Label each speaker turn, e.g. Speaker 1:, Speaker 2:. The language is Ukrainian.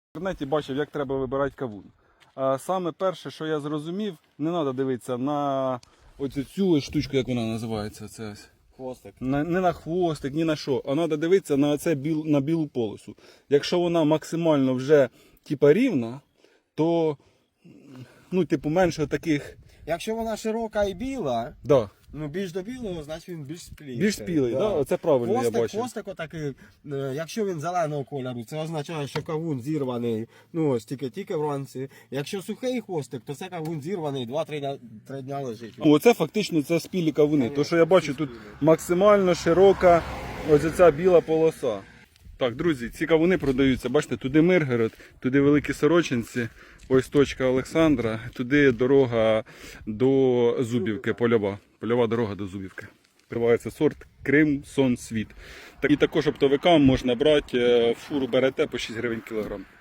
Speaker 1: В інтернеті бачив, як треба вибирати кавун. А саме перше, що я зрозумів, не треба дивитися на оцю цю штучку, як вона називається. Це ось.
Speaker 2: Хвостик.
Speaker 1: Не на хвостик, ні на що. А треба дивитися на це на білу полосу. Якщо вона максимально вже типа рівна, то ну, типу, менше таких.
Speaker 2: Якщо вона широка і біла,
Speaker 1: Да.
Speaker 2: ну більш до білого, значить він більш спілий.
Speaker 1: Більш спілий, да. Оце правильно
Speaker 2: Хвостик,
Speaker 1: я бачив.
Speaker 2: хвостик отакий, якщо він зеленого кольору, це означає, що кавун зірваний, ну ось тільки вранці. Якщо сухий хвостик, то це кавун зірваний, 2-3 дня лежить.
Speaker 1: Оце фактично це спілі кавуни. То, що я бачу, тут максимально широка ось ця біла полоса. Так, друзі, ці кавуни продаються. Бачите, туди Миргород, туди Великі Сорочинці, ось точка Олександра, туди дорога до Зубівки, польова. Польова дорога до Зубівки. Тривається сорт Крим, Сон, Світ. І також оптовикам можна брати, фуру берете по 6 гривень кілограм.